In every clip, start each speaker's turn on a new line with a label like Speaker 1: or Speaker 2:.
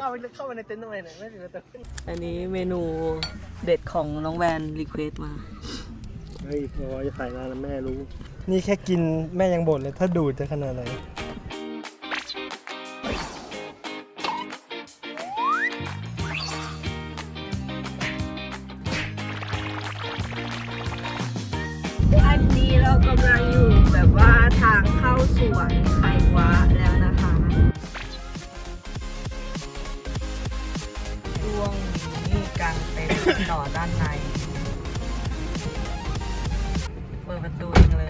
Speaker 1: เข้าไปในเต็นท์ทำไมเนี่ยไม่ถึงตัว
Speaker 2: อันนี้เมนูเด็ดของน้องแวนรีเควสมา
Speaker 1: เฮ้ยพอจะใส่งานแล้วแม่รู้นี่แค่กินแม่ยังบ่นเลยถ้าดูดจะขนาดไหน
Speaker 2: อันนี้เรากำลังอยู่แบบว่าทางเข้าสวนไขว้าแล้วนะคะช่วงนี้กลางเต็นท์ต่อด้านในเปิดประตูเองเลย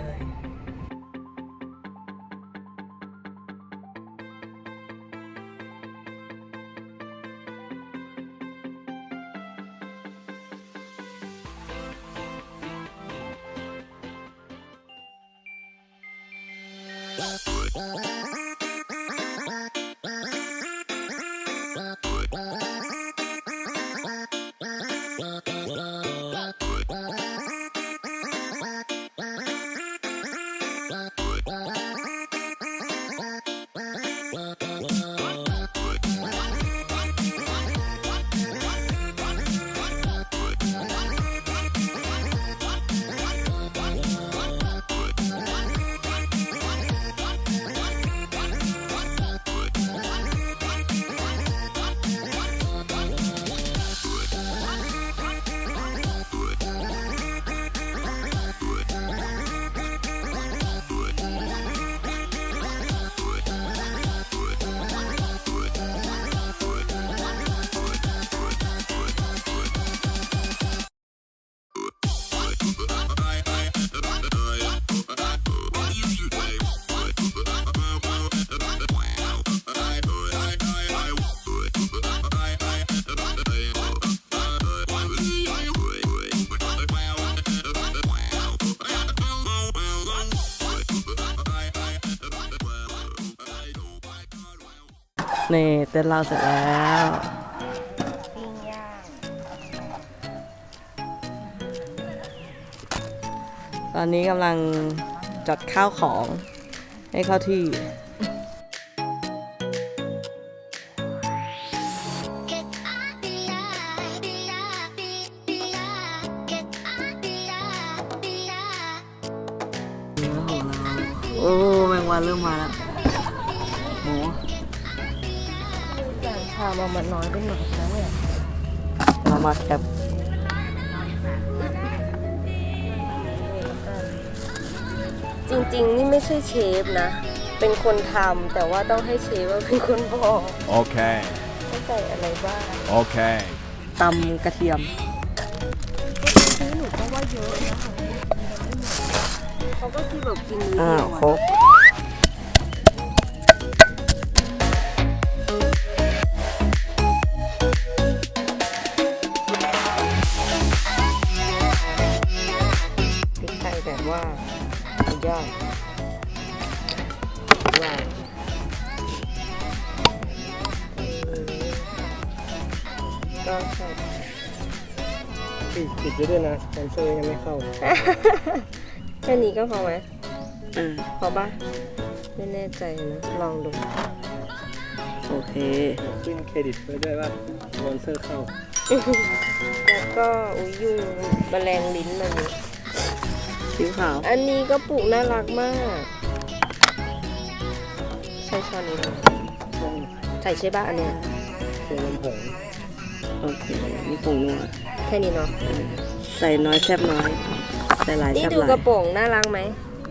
Speaker 2: นี่เต้นเราเสร็จแล้วปิ้งย่างตอนนี้กำลังจัดข้าวของให้เข้าที่โอ้แมงวันเริ่มมาแล้วหมูชามามันน้อยไปหน่อยนะเนี่ยเรามาแคปจริงๆนี่ไม่ใช่เชฟนะเป็นคนทำแต่ว่าต้องให้เชฟว่าเป็นคนบอกโอเคไม่ใส่อะไรบ้างโอเคตำกระเทียมหนูก็ว่าเยอะนะเขาก็คือแบบกินครบแบบว่าสุดยอดว้าวก็ใส่
Speaker 1: ปิดด้วยนะแอนเซอร์ยังไม่เข้า
Speaker 2: แค่นี้ก็พอไหมพอป่ะไม่แน่ใจนะลองดูโอเค
Speaker 1: ขึ้นเครดิตไปด้วยว่าสปอนเซอร์เข้า
Speaker 2: แล้วก็ยุ่งแมลงลิ้นมันนี่สีขาวอันนี้ก็ปลูกน่ารักมากใช้ช้อนนี้ใส่ใช่ป่ะอันเนี้ย
Speaker 1: ใส่น้ำผง
Speaker 2: โอเคนี่ผงนัวแค่นี้เนาะใส่น้อยแซ่บน้อยใส่หลายแซ่บหลายนี่ดูกระโปรงน่ารักไหม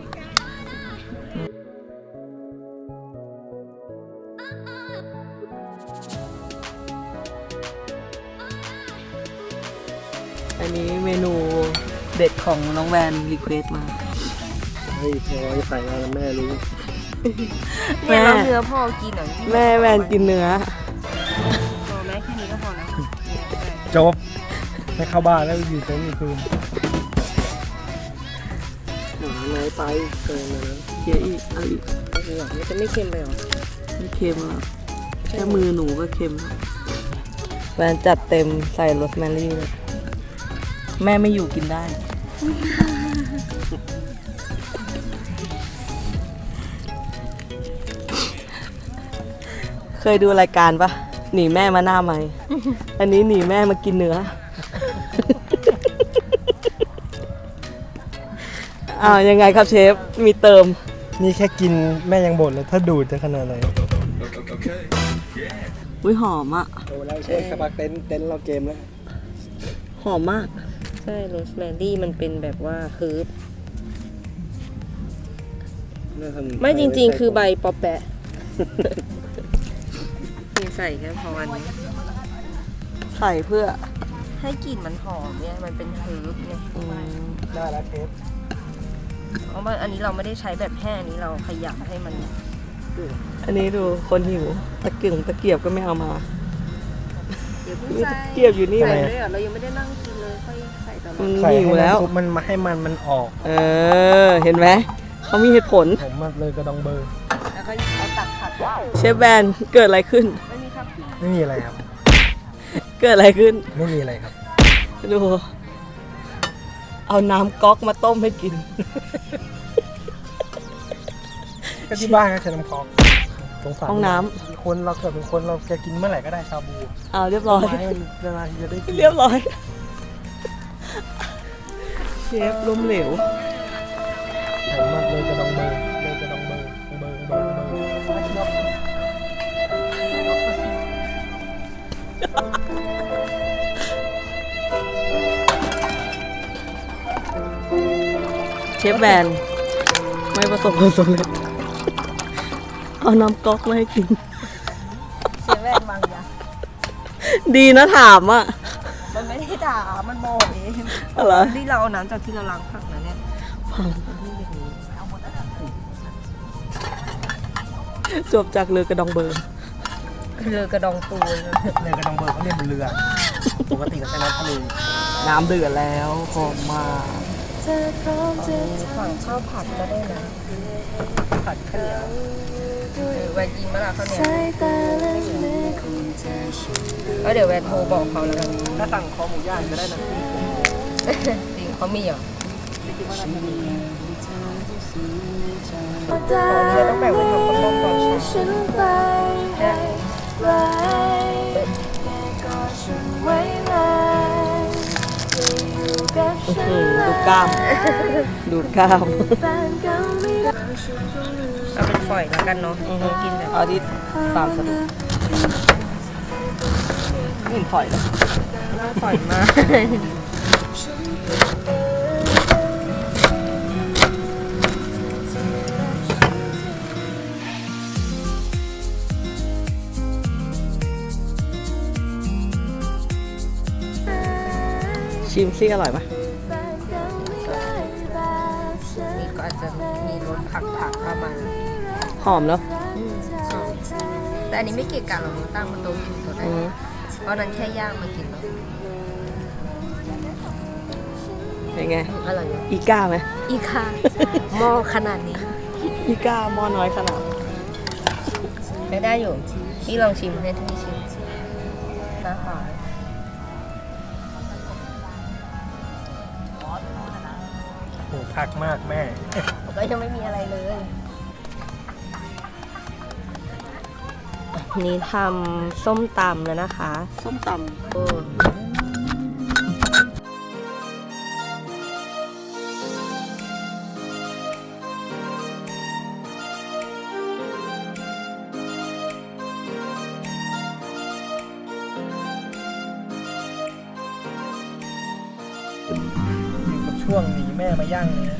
Speaker 2: อันนี้เมนูเด็ดของน้องแวนรีเควสมา
Speaker 1: เฮ้ยพอจะใส่งานแล้วแม่รู้
Speaker 2: เนี่ยเราเนื้อพ่อกินหน่อยแม่แวนกินเนื้อพอไหมแค่นี้ก็พอนะ
Speaker 1: จบให้เข้าบ้านแล้วอยู่ตรงนี้คืนน้อยไปเกินเลยนะ
Speaker 2: เยอะอีกเอาอีกมันจะไม่เค็มไปหรอไม่เค็มหรอกแค่มือหนูก็เค็มแวนจัดเต็มใส่โรสแมรี่เลยแม่ไม่อยู่กินได้ เคยดูรายการปะ
Speaker 3: หนีแม่มาหน้าไหม อันนี้หนีแม่มากินเนื้อ ยังไงครับเชฟ มีเติม
Speaker 1: นี่แค่กินแม่ยังบ่นเลยถ้าดูดจะขนาดไหน
Speaker 3: อุ้ยหอมอ่ะ
Speaker 1: โอ้แล้วใช่สปาเต้นเราเกมแล้ว
Speaker 3: หอมมาก
Speaker 2: ใช่โรสแมรี่มันเป็นแบบว่าเฮิร์บไม่จริงๆ คือใบปอแปะ นี่ใส่แค่พออันนี้
Speaker 3: ใส่เพื่อ
Speaker 2: ให้กลิ่นมันหอมเนี่ยมันเป็นเฮิร์บเนี่ย
Speaker 1: ได้แล้วเทป
Speaker 2: เพราะว่าอันนี้เราไม่ได้ใช้แบบแห้งอันนี้เราขยับให้มัน
Speaker 3: อันนี้ดูคนหิว ตะเกียงตะเกียบก็ไม่เอามา
Speaker 2: เดี๋ยวเพิ่ง
Speaker 3: นี่
Speaker 2: ใส่
Speaker 3: ตะเกียบอยู่นี่
Speaker 2: ใส่
Speaker 3: เลย
Speaker 2: ด้วยเหรอเรายังไม่ได้นั่งกินเลยค่อยใส่ตอนห
Speaker 3: มั
Speaker 2: ลั
Speaker 3: น
Speaker 2: ง
Speaker 1: ใส่
Speaker 3: หิว
Speaker 1: ให้
Speaker 3: แล้ว
Speaker 1: น้ำซุปมันให้มันออก
Speaker 3: เห็นไหม เขามีเหตุผล
Speaker 1: ผมมาเลยกระดองเบอร์
Speaker 2: แล้วก็เอาตักผัดว้าว
Speaker 3: เชฟแบนเกิดอะไรขึ้น
Speaker 2: ไม่มีครับพี่
Speaker 1: ไม่มีอะไรครับ
Speaker 3: เกิดอะไรขึ้น
Speaker 1: ไม่มีอะไรครับ
Speaker 3: ดู เอาน้ำก๊อกมาต้มให้กิน
Speaker 1: ก็ที่บ้านก็ใช้น้ำคอกสงสาร
Speaker 3: ห้องน้
Speaker 1: คนเราเกิดเป็นคนเราจะกินเมื่อไหร่ก็ได้ชาบู
Speaker 3: เอาเรียบร้อย
Speaker 1: ไม้มันนานๆทีจะได้กิน
Speaker 3: เรียบร้อย เชฟล้มเหลว
Speaker 1: ผมมาเลยกระดองเบอร์เลยกระดองเบอร์เบอร์เบอร์เบอร์
Speaker 3: เชฟแบนไม่ประสบความสำเร็จ เอาน้ำก๊อกมาให้กิน
Speaker 2: เสียแว่นบางอย่าง
Speaker 3: ดีนะถามอ่ะ
Speaker 2: มันไม่ได้ด่ามันโมเอง
Speaker 3: อะไร
Speaker 2: ที่เราเอาน้ำจากที่เราล้างผักนะเนี่ย
Speaker 3: จบจากเรือกระดองเบอร์
Speaker 2: เรือกระดองปูน
Speaker 1: เลยกระดองเบอร์เขาเรียกเป็นเรือ ปกติก็ใช้น้ำทะเล
Speaker 3: น้ำเดือดแล้วหอมมาก
Speaker 2: ฝั่งข้าวผัดก็ได้นะ
Speaker 1: ผัดข้าวเหนียว
Speaker 2: แวนยิงมาละเขาวเนี่ยแล้วเดี๋ยวแวนโทรบอกเขาแล้วกัน
Speaker 1: ถ้าสั่งคอหมูย่างก็ได้นะ
Speaker 2: จริงเขามีเหรอของเราต้องแบ่งไว้ทำข้าวต้มตอนเช้า
Speaker 3: ดูกล้าม ดูกล้าม
Speaker 2: เอาเป็นฝอยแล้วกันเนาะกินแบบ
Speaker 3: เอาที่ตามสะดวกไม่เห็นฝอยเลย
Speaker 2: น่าฝอยมาก
Speaker 3: ชิมซิอร่อยไหม
Speaker 2: นี่ก็อาจจะมีรสผักประมาณ
Speaker 3: หอมเนาะ
Speaker 2: แต่อันนี้ไม่เกี่ยวกับเราตั้งบนโต๊ะกินตัวได้ เพราะนั้นแค่ย่างมากินแล้ว
Speaker 3: เป็นไง
Speaker 2: อร่อยอยู่
Speaker 3: อีก้าไหม
Speaker 2: อีค่ะหม้อขนาดนี้
Speaker 3: อีก้าหม้อน้อยขนาด
Speaker 2: ได้อยู่พี่ลองชิมให้ที่ชิมนะคะ
Speaker 1: โอ้ผักมากแม่
Speaker 2: ก็ยังไม่มีอะไรเลย นี่ทำส้มตำแล้วนะคะ
Speaker 3: ส้มต
Speaker 2: โอ้
Speaker 1: กับช่วงหนีแม่มาย่างเนี่ย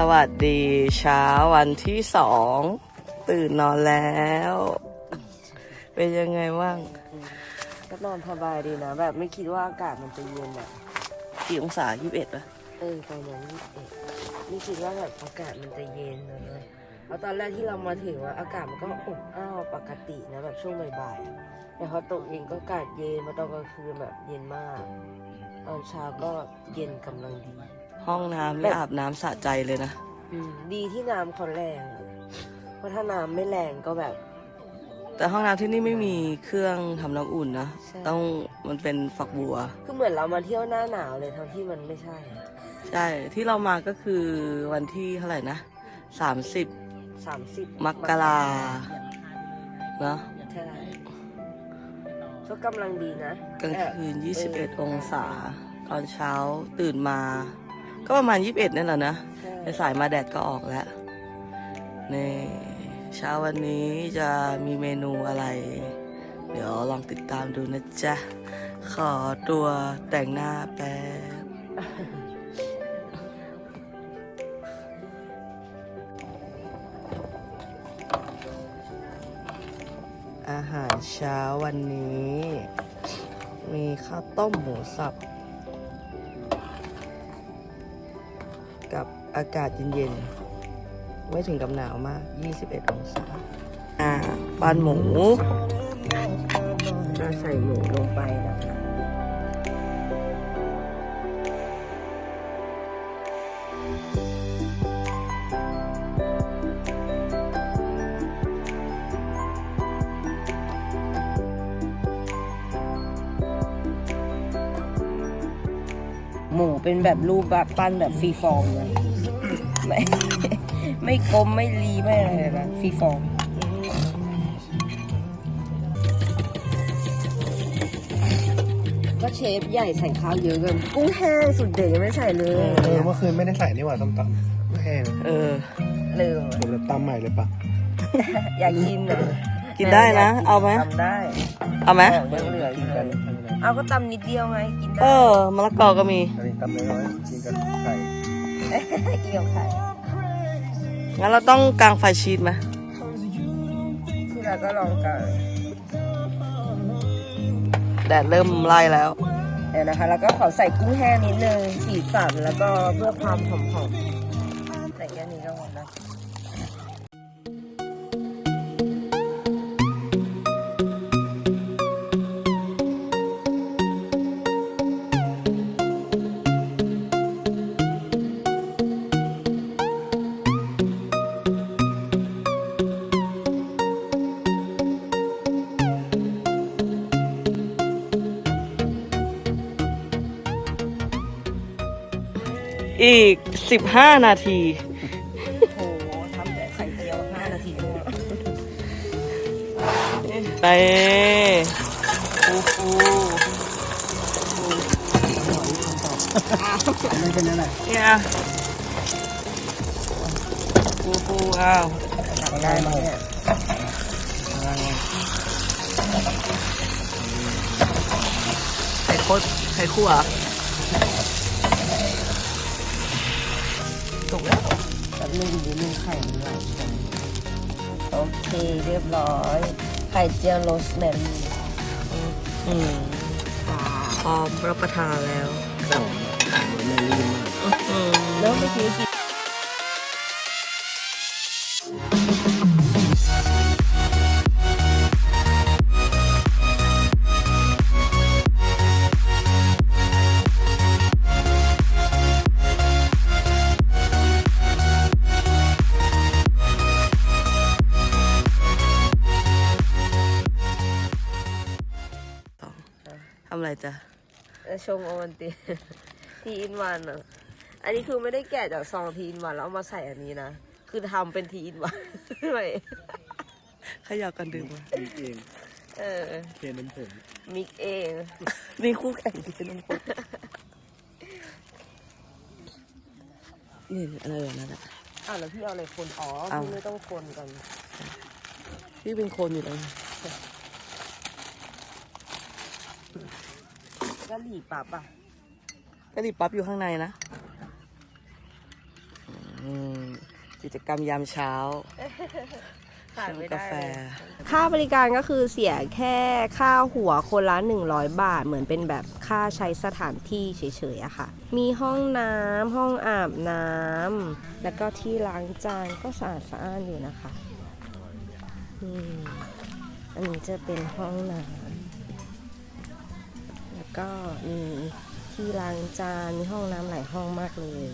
Speaker 3: วัสดีเช้าวันที่2ตื่นนอนแล้ว เป็นยังไงบ้าง
Speaker 2: ก็นอนสบายดีนะ แบบไม่คิดว่าอากาศมันจะเย็นอ่ะ
Speaker 3: กี่องศา21ป่ะ
Speaker 2: ประมาณ21ไม่คิดว่าแบบอากาศมันจะเย็นเลยเพราะตอนแรกที่เรามาถึงว่าอากาศมันก็อบอ้าวปกตินะแบบช่วงบ่ายๆแต่พอตกเย็นก็อากาศเย็นมาตอนกลางคืนแบบเย็นมาก ตอนเช้าก็เย็นกำลังดี
Speaker 3: ห้องน้ำไม่อาบน้ำสะใจเลยนะ
Speaker 2: ดีที่น้ำเขาแรงอะเพราะถ้าน้ำไม่แรงก็แบบ
Speaker 3: แต่ห้องน้ำที่นี่ไม่มีเครื่องทำน้ำอุ่นนะ
Speaker 2: ใช่
Speaker 3: ต้องมันเป็นฝักบัว
Speaker 2: คือเหมือนเรามาเที่ยวหน้าหนาวเลยทั้งที่มันไม่ใช่
Speaker 3: ใช่ ที่เรามาก็คือวันที่เท่าไหร่นะ30
Speaker 2: 30
Speaker 3: มกราเนอะ
Speaker 2: ใช่ก็กำลังดีนะ
Speaker 3: กลางคืน21 องศา ตอนเช้าตื่นมา ก็ประมาณ21นั่นแหละนะ
Speaker 2: ใช่
Speaker 3: ในสายมาแดดก็ออกแล้วนี่เช้าวันนี้จะมีเมนูอะไร เดี๋ยวลองติดตามดูนะจ๊ะ ขอตัวแต่งหน้าแป๊บ อาหารเช้าวันนี้ มีข้าวต้มหมูสับ กับอากาศเย็นๆ ไม่ถึงกับหนาวมาก 21 องศาปั้นหมู
Speaker 2: จะใส่หมูลงไปนะคะ หมูเป็นแบบรูปแบบปั้นแบบฟรีฟอร์มเลยไม่กลมไม่รีไม่อะไรเลยนะฟรีฟอร์มก็เชฟใหญ่ใส่ข้าวเยอะเกินกุ้งแห้งสุดเด็ดยังไม่ใส่เลย
Speaker 1: เมื่อคืนไม่ได้ใส่นี่หว่าส้มตำไม่แห้ง
Speaker 3: เออ
Speaker 2: ลืม
Speaker 1: เดี๋ยวเราตำใหม่เลยปะ
Speaker 2: อยากกินเลย
Speaker 3: กินได้นะ เอาไหม
Speaker 2: ทำได้
Speaker 3: เอาไหม
Speaker 2: ของยังเหลืออยู่เลยเอาก็ตำนิดเดียวไงกินได้
Speaker 3: มะละกอก็มี
Speaker 1: อันนี้ตำน้อยๆกินกับไข่
Speaker 2: เกี่ยวไข่
Speaker 3: งั้นเราต้องกางไฟชีสไหม
Speaker 2: ที่เราก็ลองกัน
Speaker 3: แดดเริ่มไล่แล้ว
Speaker 2: เดี๋ยวนะคะ แล้วก็ขอใส่กุ้งแห้งนิดนึงสีสันแล้วก็เพื่อความหอมๆใส่แค่นี้ก็หมดแล้ว
Speaker 3: อีก 15 นาที
Speaker 2: โอ้โหทำแต่ไข่เจียว5 นาทีด้วย
Speaker 3: ไปฟูฟู
Speaker 1: ไม่เป็นไร
Speaker 3: เนี่ยฟูฟูอ้าว
Speaker 2: ตักได้ไหมเนี่ย
Speaker 3: ไข่โคตรไข่คั่ว
Speaker 2: ถูกแล้วแบบนึงดีนึงไข่มันไหลโอเคเรียบร้อย ไข่เจียวโรสแมรี่
Speaker 3: พร้อมรับประทานแล้ว
Speaker 1: ไม่รีบมาก
Speaker 2: แล้วเมื่อกี้กิน
Speaker 3: ทำอะไรจ๊ะ
Speaker 2: ชงโอวัลติน ทีอินวันอ่ะ อันนี้คือไม่ได้แกะจากซองทีอินวันแล้วเอามาใส่อันนี้นะ คือทำเป็นทีอินวันด้วย
Speaker 3: ขยับกันดื่มมา
Speaker 1: มีเอง
Speaker 2: เออ
Speaker 1: เคนน้ำผง
Speaker 2: มิกเอง
Speaker 3: นี่คู่แข่งที่น้ำปุนี่อะไรแบบนั้นอ่ะ
Speaker 2: อ้าวแล้วพี่เอาอะไรคนอ๋อ
Speaker 3: เอา
Speaker 2: พี่ไม่ต้องคนกัน
Speaker 3: พี่เป็นคนอยู่แล้ว
Speaker 2: ก็หลีปั๊บอ่ะ
Speaker 3: กะหรี่ปั๊บอยู่ข้างในนะกิจกรรมยามเช้า
Speaker 2: ขาดไม่ได้
Speaker 3: กาแฟ
Speaker 2: ค่าบริการก็คือเสียแค่ค่าหัวคนละ100 บาทเหมือนเป็นแบบค่าใช้สถานที่เฉยๆอะค่ะมีห้องน้ำห้องอาบน้ำแล้วก็ที่ล้างจานก็สะอาดอยู่นะคะอันนี้จะเป็นห้องน้ำแล้วก็มีที่ล้างจานมีห้องน้ำหลายห้องมากเลย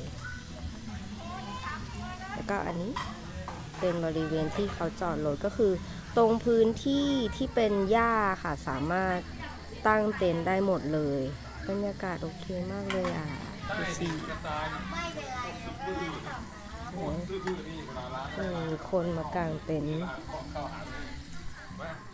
Speaker 2: แล้วก็อันนี้เป็นบริเวณที่เขาจอดรถก็คือตรงพื้นที่ที่เป็นหญ้าค่ะสามารถตั้งเต็นท์ได้หมดเลยบรรยากาศโอเคมากเลยอ่ะดูสิมีคนมากางเต็นท์